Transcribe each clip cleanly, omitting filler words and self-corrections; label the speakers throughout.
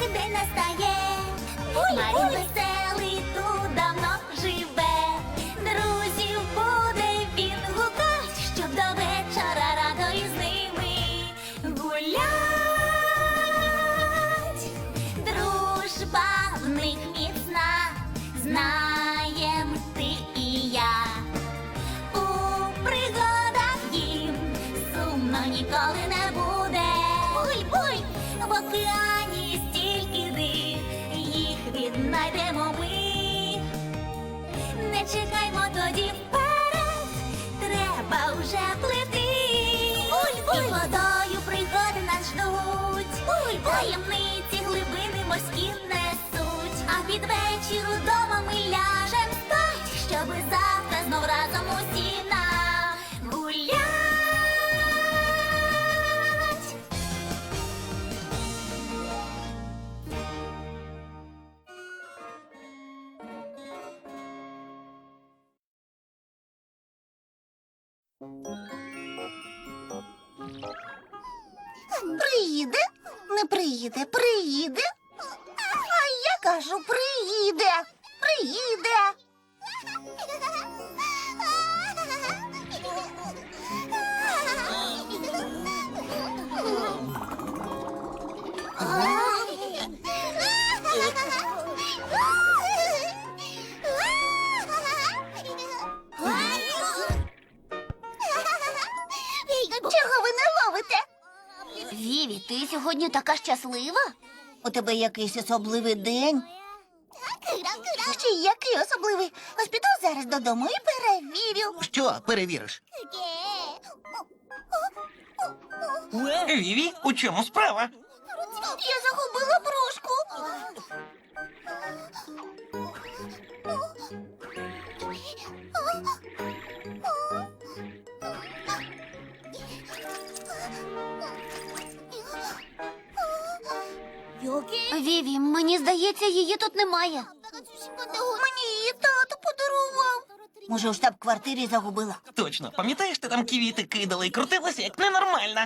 Speaker 1: поки день настає. Марін веселий тут давно живе. Друзів буде він гукать, щоб до вечора радо із ними гулять. Дружба в них міцна, знаєм ти і я. У пригадах їм сумно ніколи не буде. Буй-буй! В океані стільки див, їх віднайдемо ми. Не чекаймо тоді вперед, треба вже плити. Буль-буль! І водою пригоди нас ждуть. Буль-буль! Таємниці глибини морські несуть. А під вечір удома ми ляжем спать, щоби завтра знов разом усі нагулять.
Speaker 2: Приїде? Не приїде, приїде. А я кажу, приїде, приїде. Чого ви не ловите?
Speaker 1: Віві, ти сьогодні така щаслива?
Speaker 2: У тебе якийсь особливий день? Ще який особливий? Ось піду зараз додому і перевірю.
Speaker 3: Що перевіриш?
Speaker 4: Віві, у чому справа?
Speaker 2: Я загубила брошку.
Speaker 1: Віві, мені здається, її тут немає.
Speaker 2: Мені її тато подарував. Може, у штаб-квартирі загубила.
Speaker 4: Точно, пам'ятаєш, ти там квіти кидала і крутилася, як ненормальна?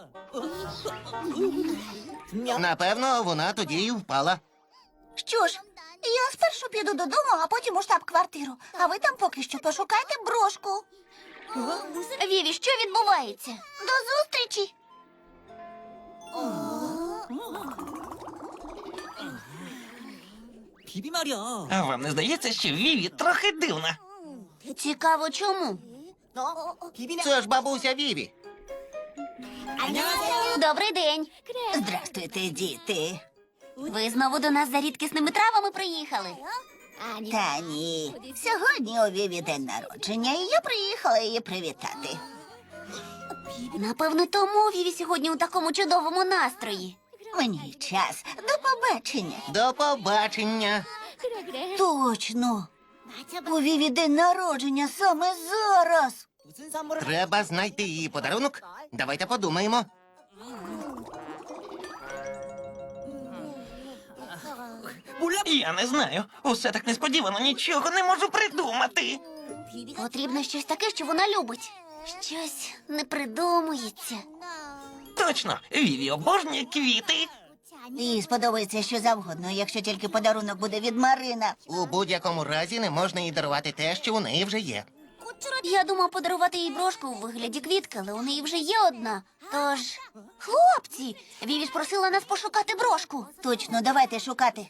Speaker 3: Напевно, вона тоді й впала.
Speaker 2: Що ж, я спершу піду додому, а потім у штаб-квартиру. А ви там поки що пошукайте брошку.
Speaker 1: Віві, що відбувається?
Speaker 2: До зустрічі.
Speaker 5: 비비 말이야.
Speaker 4: А вам не здається, що Віві трохи дивна?
Speaker 1: Цікаво, чому?
Speaker 5: 비비네.
Speaker 3: Це ж бабуся Віві.
Speaker 5: 안녕하세요.
Speaker 1: Добрий день.
Speaker 2: Здрастуйте, діти.
Speaker 1: Ви знову до нас за рідкісними травами приїхали?
Speaker 2: Та ні. Сьогодні у Віві день народження, і я приїхала її привітати.
Speaker 1: Напевно, тому Віві сьогодні у такому чудовому настрої.
Speaker 2: Мені час. До побачення.
Speaker 3: До побачення.
Speaker 2: Точно. У Віві день народження саме зараз.
Speaker 5: 무슨 선물을
Speaker 3: Треба знайти її подарунок. Давайте подумаємо.
Speaker 5: 몰라.
Speaker 4: Я не знаю. Усе так несподівано, нічого не можу придумати.
Speaker 1: Потрібно щось таке, що вона любить. Щось не придумується.
Speaker 4: Точно, Віві обожнює квіти.
Speaker 2: Їй сподобається що завгодно, якщо тільки подарунок буде від Марина.
Speaker 3: У будь-якому разі не можна їй дарувати те, що у неї вже є.
Speaker 1: Я думав подарувати їй брошку у вигляді квітки, але у неї вже є одна. Тож, хлопці, Віві ж просила нас пошукати брошку.
Speaker 2: Точно, давайте шукати.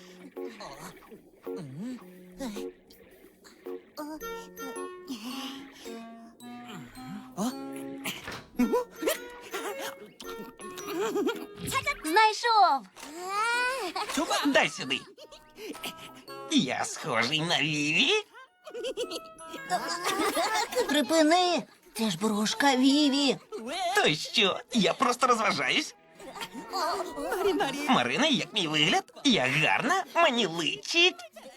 Speaker 1: Знайшов.
Speaker 4: Дай сюди. Я схожий на Віві?
Speaker 2: Припини. Це ж брошка Віві.
Speaker 4: То що? Я просто розважаюсь.
Speaker 5: 말이 말이.
Speaker 4: Марина, як мій вигляд? Я гарна, мені личить.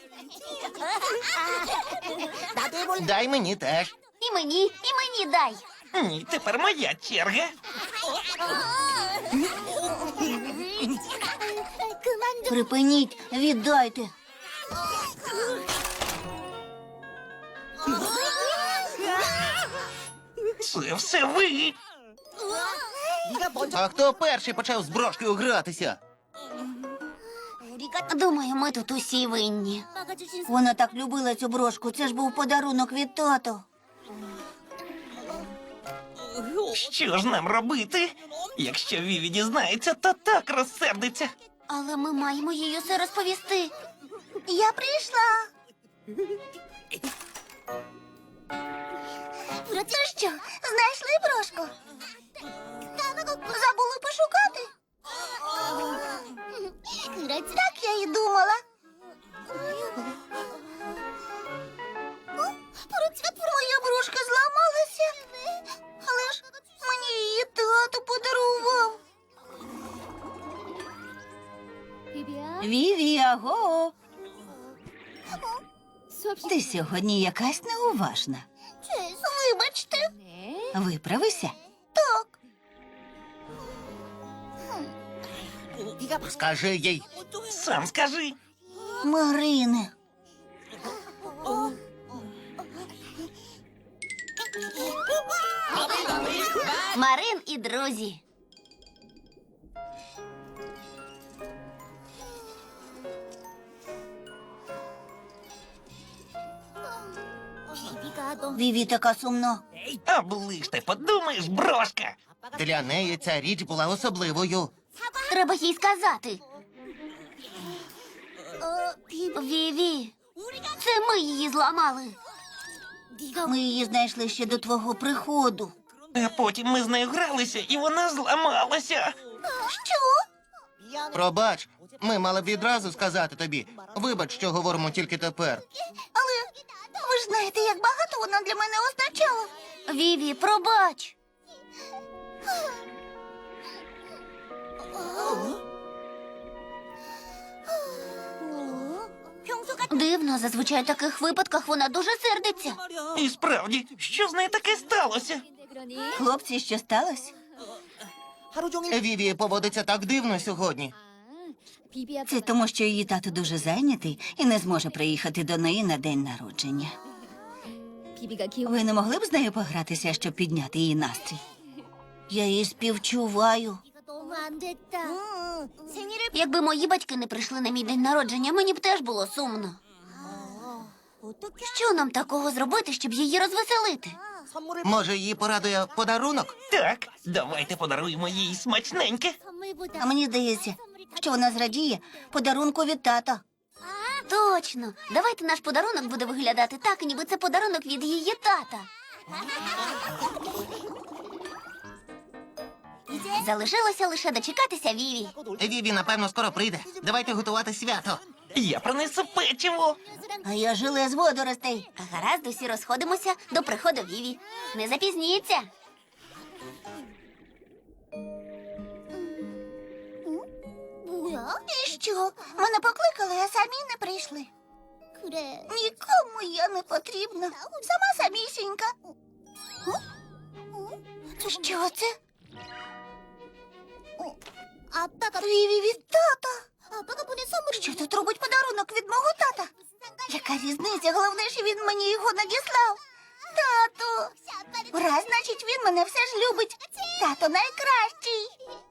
Speaker 5: 나도 해볼래.
Speaker 3: Дай мені теж.
Speaker 1: І мені дай.
Speaker 4: Ні, тепер моя черга.
Speaker 2: Припиніть, віддайте.
Speaker 4: Це все ви.
Speaker 5: 네가 먼저.
Speaker 3: А хто перший почав з брошкою гратися?
Speaker 1: Думаю, ми тут усі винні.
Speaker 2: Вона так любила цю брошку. Це ж був подарунок від тата.
Speaker 4: Що ж нам робити? Якщо Віві дізнається, то так розсердиться.
Speaker 1: Але ми маємо їй усе розповісти.
Speaker 2: Я прийшла. Ну що, знайшли брошку? Забули пошукати? Так я і думала. Моя брошка зламалася. Але ж мені її тато подарував. Віві, аго. Ти сьогодні якась неуважна. Вибачте. Виправися. Так.
Speaker 3: Скажи їй.
Speaker 4: Сам скажи.
Speaker 2: Марине.
Speaker 1: Марин і друзі.
Speaker 2: Віві така сумна.
Speaker 4: Оближте, подумаєш, брошка.
Speaker 3: Для неї ця річ була особливою.
Speaker 1: Треба їй сказати. Віві, це ми її зламали.
Speaker 2: Ми її знайшли ще до твого приходу.
Speaker 4: А потім ми з нею гралися, і вона зламалася.
Speaker 2: Що?
Speaker 3: Пробач, ми мали б відразу сказати тобі. Вибач, що говоримо тільки тепер.
Speaker 2: Але ви ж знаєте, як багато вона для мене означала.
Speaker 1: Віві, пробач. Дивно, зазвичай в таких випадках вона дуже сердиться.
Speaker 4: І справді, що з нею таке сталося?
Speaker 2: Хлопці, що сталося?
Speaker 5: 하루 종일
Speaker 3: Віві поводиться так дивно сьогодні.
Speaker 2: Це тому, що її тато дуже зайнятий і не зможе приїхати до неї на день народження. Ви не могли б з нею погратися, щоб підняти її настрій? Я її співчуваю.
Speaker 1: Якби мої батьки не прийшли на мій день народження, мені б теж було сумно. Що нам такого зробити, щоб її розвеселити?
Speaker 5: 선물을
Speaker 3: Може, її порадує подарунок?
Speaker 4: Так, давайте подаруємо їй смачненьке.
Speaker 2: А мені здається, що вона зрадіє подарунку від тата.
Speaker 1: Точно. Давайте наш подарунок буде виглядати так, ніби це подарунок від її тата. Залишилося лише дочекатися Віві.
Speaker 3: Віві, напевно, скоро прийде. Давайте готувати свято.
Speaker 4: Я принесу печиво.
Speaker 2: А я желе з водоростей.
Speaker 1: Гаразд, усі розходимося до приходу Віві. Не запізніться.
Speaker 2: І що? Мене покликали, а самі не прийшли. Нікому я не потрібна. Сама самісінька. Що це? Віві від тата. Що тут робить подарунок від мого тата? Яка різниця? Головне, що він мені його надіслав. Тату. Раз, значить, він мене все ж любить. Тато найкращий.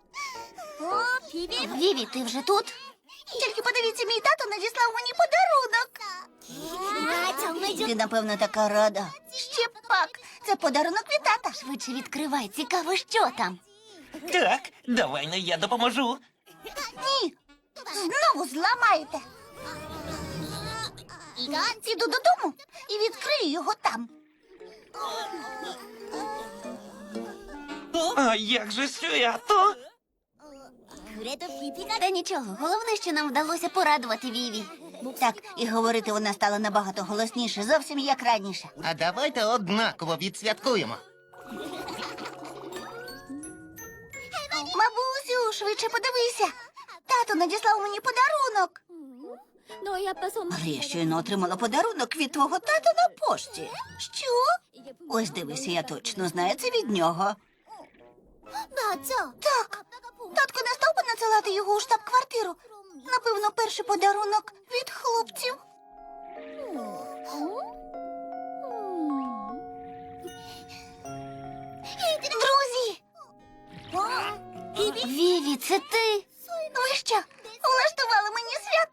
Speaker 1: Віві, ти вже тут?
Speaker 2: Тільки подивіться, мій тато надіслав мені подарунок. Ти, напевно, така рада. Ще пак. Це подарунок від тата.
Speaker 1: Швидше відкривай, цікаво, що там.
Speaker 4: Так, давай но я допоможу.
Speaker 2: Ні. Знову зламаєте. Піду додому і відкрию його там.
Speaker 4: А як же свято?
Speaker 1: Та нічого, головне, що нам вдалося порадувати Віві.
Speaker 2: Так, і говорити вона стала набагато голосніше, зовсім як раніше.
Speaker 3: А давайте однаково відсвяткуємо.
Speaker 2: Бабусю, швидше подивися. Тато надіслав мені подарунок. Але я щойно отримала подарунок від твого тата на пошті. Що? Ось дивися, я точно знаю, це від нього. Так. Татко не став би надсилати його у штаб-квартиру. Напевно, перший подарунок від хлопців. Друзі!
Speaker 1: Віві, це ти?
Speaker 2: Ви що, влаштували мені свято?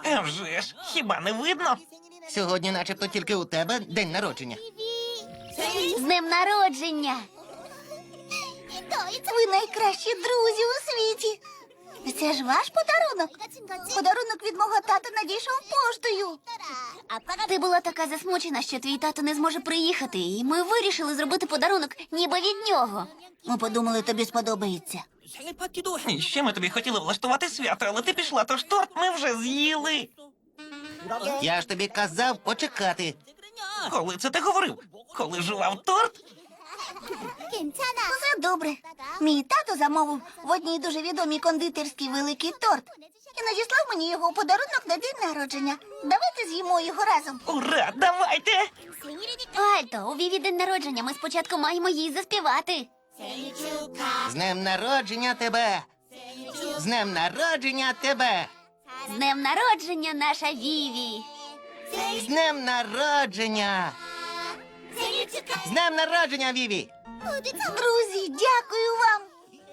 Speaker 4: А вже ж, хіба не видно?
Speaker 3: Сьогодні начебто тільки у тебе день народження.
Speaker 2: З днем народження! Ви найкращі друзі у світі. Це ж ваш подарунок. Подарунок від мого тата надійшов поштою. Ти була така засмучена, що твій тато не зможе приїхати, і ми вирішили зробити подарунок ніби від нього. Ми подумали, тобі сподобається.
Speaker 5: 생일 파티도
Speaker 4: І ще ми тобі хотіли влаштувати свято, але ти пішла, тож торт ми вже з'їли.
Speaker 3: Я ж тобі казав почекати.
Speaker 4: Коли це ти говорив? Коли жував торт?
Speaker 2: Все добре. Мій тато замовив в одній дуже відомій кондитерській великий торт і надіслав мені його у подарунок на день народження. Давайте з'їмо його разом.
Speaker 4: Ура, давайте!
Speaker 2: Альто, у Віві день народження. Ми спочатку маємо їй заспівати.
Speaker 3: З днем народження тебе! З днем народження тебе!
Speaker 2: З днем народження, наша Віві.
Speaker 3: З днем народження! З днем народження, Віві!
Speaker 2: Друзі, дякую вам.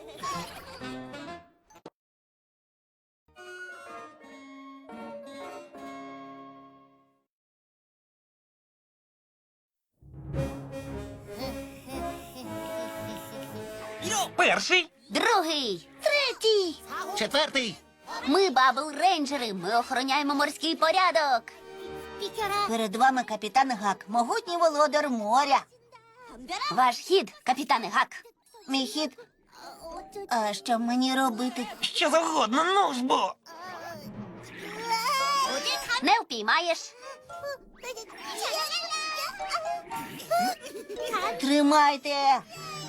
Speaker 4: Перший.
Speaker 2: Другий. Третій.
Speaker 3: Четвертий!
Speaker 2: Ми бабл рейнджери. Ми охороняємо морський порядок. Перед вами капітан Гак, могутній володар моря. Ваш хід, капітане Гак. Мій хід. А що мені робити?
Speaker 4: Що завгодно, ну ж бо.
Speaker 2: Не впіймаєш. Тримайте.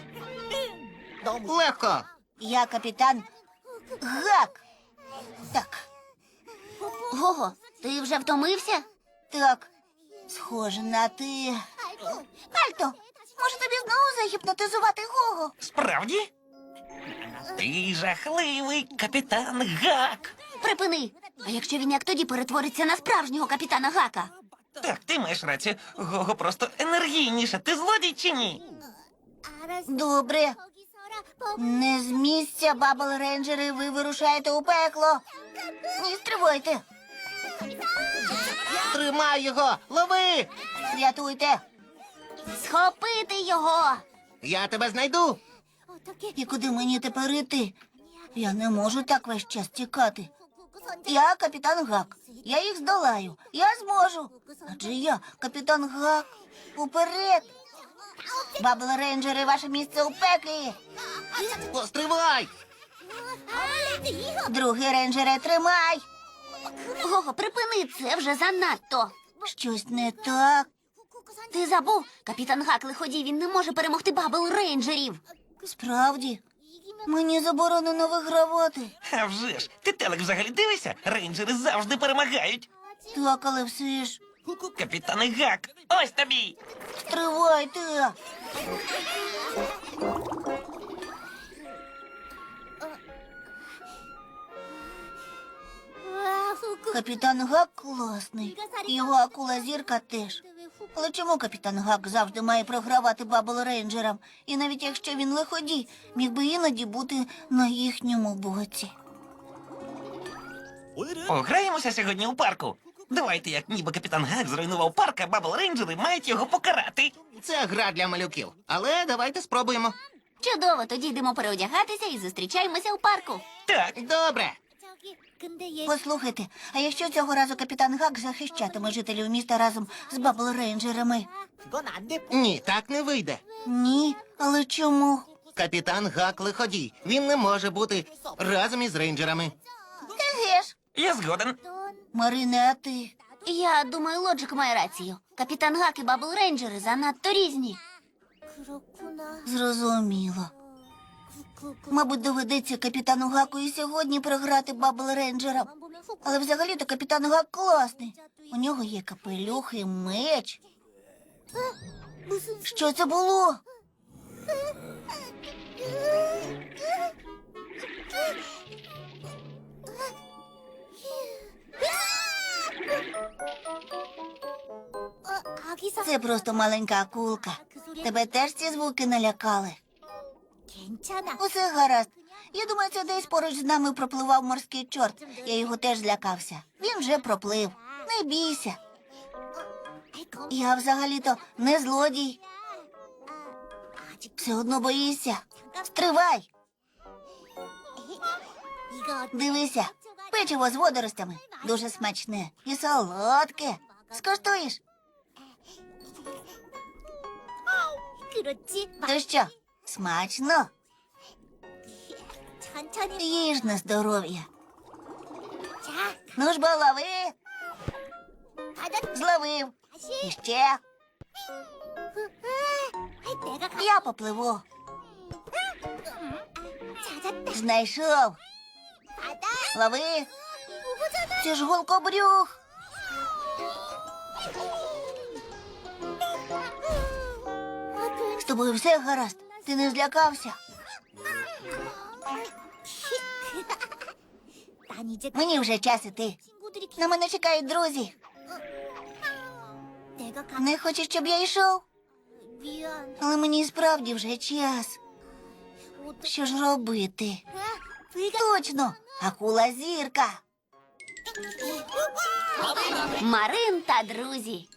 Speaker 3: Легко!
Speaker 2: Я капітан Гак. Так. Гого, ти вже втомився? Так. Схоже на ти. Альто, може тобі знову загіпнотизувати Гого?
Speaker 4: Справді? Ти жахливий капітан Гак.
Speaker 2: Припини. А якщо він як тоді перетвориться на справжнього капітана Гака?
Speaker 4: Так, ти маєш рацію. Гого просто енергійніше. Ти злодій чи ні?
Speaker 2: Добре. Не з місця, бабл рейнджери, ви вирушаєте у пекло. Ні, стривайте.
Speaker 3: Тримай його! Лови!
Speaker 2: Рятуйте. Схопити його.
Speaker 3: Я тебе знайду!
Speaker 2: І куди мені тепер іти? Я не можу так весь час тікати. Я капітан Гак. Я їх здолаю. Я зможу. Адже я капітан Гак. Уперед. Бабл рейнджери, ваше місце у пеклі.
Speaker 3: Постривай!
Speaker 2: Другий рейнджере, тримай. Гого, припини, це вже занадто. Щось не так. Ти забув? Капітан Гак лиходій, він не може перемогти бабл рейнджерів. Справді? Мені заборонено вигравати.
Speaker 4: А вже ж, ти телек взагалі дивишся? Рейнджери завжди перемагають.
Speaker 2: Так, але все ж.
Speaker 4: Капітан Гак, ось тобі.
Speaker 2: Стривайте. Капітан Гак класний. Його акула зірка теж. Але чому капітан Гак завжди має програвати бабл рейнджерам? І навіть якщо він лиходій, міг би іноді бути на їхньому боці.
Speaker 4: Пограємося сьогодні у парку. Давайте, як ніби капітан Гак зруйнував парк, а бабл рейнджери мають його покарати.
Speaker 3: Це гра для малюків. Але давайте спробуємо.
Speaker 2: Чудово, тоді йдемо переодягатися і зустрічаємося у парку.
Speaker 4: Так,
Speaker 3: Добре.
Speaker 2: Послухайте, а якщо цього разу капітан Гак захищатиме жителів міста разом з бабл рейнджерами?
Speaker 5: 그건 안 돼.
Speaker 3: Ні, так не вийде.
Speaker 2: Ні, але чому?
Speaker 3: Капітан Гак лиходій. Він не може бути разом із рейнджерами.
Speaker 2: Еге ж.
Speaker 4: я згоден.
Speaker 2: Марине, а ти? Я думаю, Лоджик має рацію. Капітан Гак і бабл рейнджери занадто різні. Зрозуміло. Мабуть, доведеться капітану Гаку і сьогодні програти бабл рейнджерам. Але взагалі-то капітан Гак класний. У нього є капелюх і меч. Що це було? Це просто маленька акулка. Тебе теж ці звуки налякали. Усе гаразд. Я думаю, це десь поруч з нами пропливав морський чорт. Я його теж злякався. Він вже проплив. Не бійся. Я взагалі-то не злодій. Все одно боїшся. Стривай. Дивися, печиво з водоростями. Дуже смачне і солодке. Скуштуєш? То що, смачно? Їж на здоров'я. Ну ж бо лови. Зловив. І ще. Я попливу. Знайшов. Лови. Це ж голкобрюх. З тобою все гаразд. Ти не злякався? Мені вже час іти. На мене чекають друзі. Не хочеш, щоб я йшов? Але мені справді вже час. Що ж робити? Точно, акула зірка.
Speaker 1: Марин та друзі.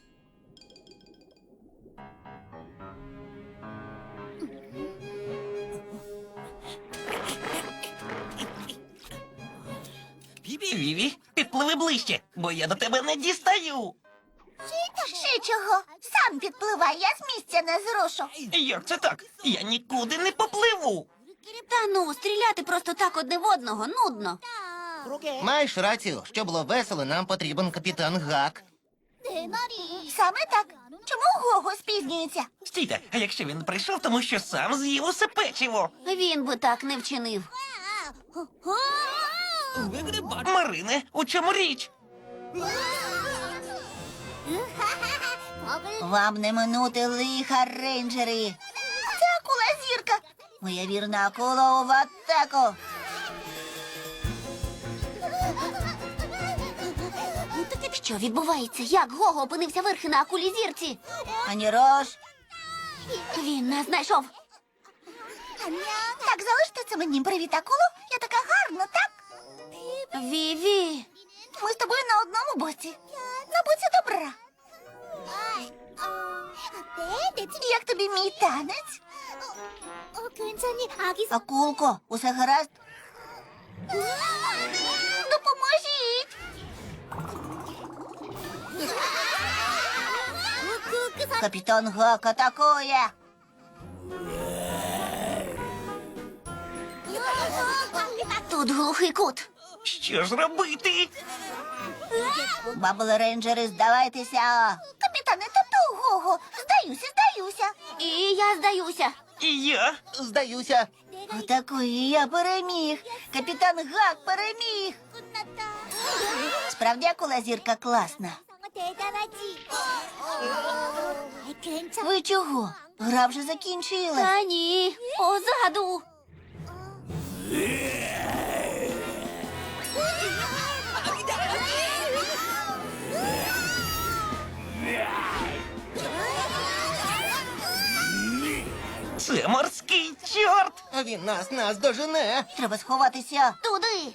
Speaker 4: Віві, підпливи ближче, бо я до тебе не дістаю.
Speaker 2: Ще чого? Сам підпливай, я з місця не зрушу.
Speaker 4: Як це так? Я нікуди не попливу.
Speaker 1: Та ну, стріляти просто так одне в одного нудно.
Speaker 3: Маєш рацію, щоб було весело, нам потрібен капітан Гак.
Speaker 2: Саме так. Чому Гого спізнюється?
Speaker 4: Стійте, а якщо він прийшов, тому що сам з'їв усе печиво?
Speaker 1: Він би так не вчинив.
Speaker 5: 왜 그래 말
Speaker 4: Марине, у чому річ?
Speaker 2: Вам не минути лиха, рейнджери. Це акула зірка. Моя вірна акула в атаку.
Speaker 1: Що відбувається? Як Гого опинився верхи на акулі зірці?
Speaker 2: Ані рош.
Speaker 1: Він нас знайшов.
Speaker 2: Так, залиште це мені. Привіт, акуло. Я така гарна, так?
Speaker 1: Віві.
Speaker 2: Ми з тобою на одному боці. На боці добра. Як тобі мій танець? Акулко, усе гаразд? Допоможіть! Капітан Гак атакує!
Speaker 1: Тут глухий кут.
Speaker 4: Що ж робити?
Speaker 2: Бабл рейнджери, здавайтеся! Капітане, тату, Гого! Здаюся!
Speaker 1: І я здаюся.
Speaker 4: І я?
Speaker 3: Здаюся.
Speaker 2: Отакої я переміг! Капітан Гак переміг! Справді акула зірка класна. Ви чого? Гра вже закінчилась.
Speaker 1: Та ні, позаду.
Speaker 4: Це морський чорт.
Speaker 3: А він нас дожене.
Speaker 2: Треба сховатися.
Speaker 1: Туди.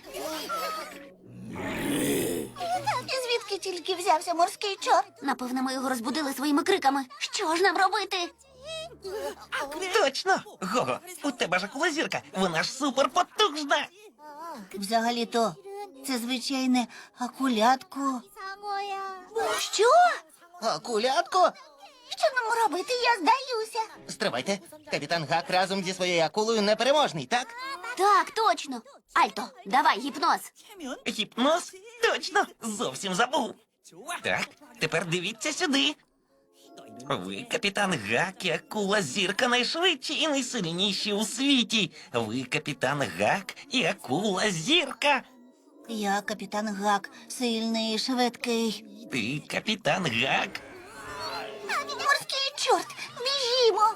Speaker 2: І звідки тільки взявся морський чорт?
Speaker 1: Напевно, ми його розбудили своїми криками. Що ж нам робити?
Speaker 4: Точно. Гого, у тебе ж акула зірка. Вона ж суперпотужна.
Speaker 2: Взагалі-то, це звичайне акулятко.
Speaker 1: Що?
Speaker 3: Акулятко?
Speaker 2: Що нам робити? Я здаюся.
Speaker 3: Стривайте. Капітан Гак разом зі своєю акулою непереможний, так?
Speaker 1: Так, точно. Альто, давай гіпноз.
Speaker 4: Гіпноз? Точно. Зовсім забув. Так, тепер дивіться сюди. Ви, капітан Гак і акула зірка найшвидші і найсильніші у світі. Ви, капітан Гак і акула зірка.
Speaker 2: Я капітан Гак, сильний і швидкий.
Speaker 4: Ти капітан Гак.
Speaker 2: Морський чорт, біжімо.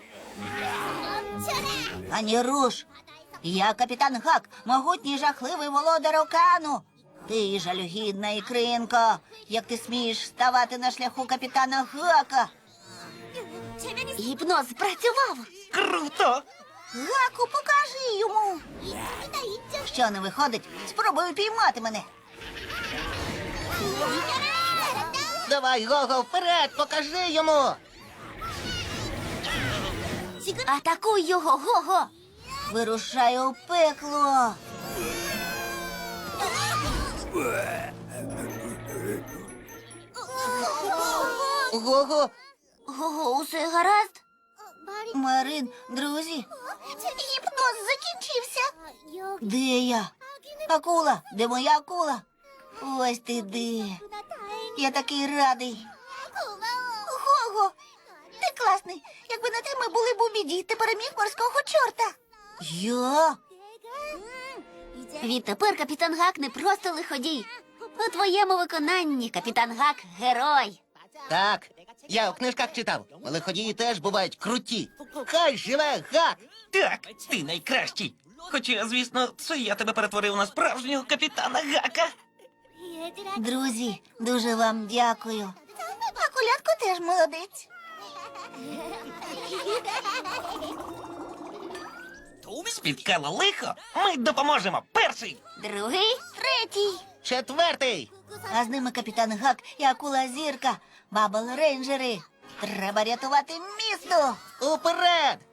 Speaker 2: Ані руш. Я капітан Гак, могутній жахливий володар океану. Ти жалюгідна ікринко. Як ти смієш ставати на шляху капітана Гака?
Speaker 1: Гіпноз спрацював.
Speaker 4: Круто!
Speaker 2: Гаку, покажи йому. Що не виходить, спробуй піймати мене.
Speaker 3: Давай, Гого, вперед, покажи йому.
Speaker 2: Атакуй його, Гого. Вирушай у пекло.
Speaker 3: Гого,
Speaker 2: Гого, усе гаразд? Марин, друзі, гіпноз закінчився. Де я? Акула, де моя акула? Ось ти де. Я такий радий. Гого, ти класний. Якби не ти, ми були б у біді. Ти переміг морського чорта. Я? Відтепер капітан Гак не просто лиходій. У твоєму виконанні капітан Гак герой.
Speaker 3: так, я у книжках читав. Лиходії теж бувають круті. Хай живе Гак!
Speaker 4: Так, ти найкращий. Хоча, звісно, це я тебе перетворив на справжнього капітана Гака.
Speaker 2: Друзі, дуже вам дякую. А колядко теж молодець.
Speaker 4: Спіткало лихо, ми допоможемо. Перший.
Speaker 2: Другий, третій.
Speaker 3: Четвертий.
Speaker 2: А з ними капітан Гак і акула Зірка, бабл рейнджери. Треба рятувати місто.
Speaker 3: Уперед!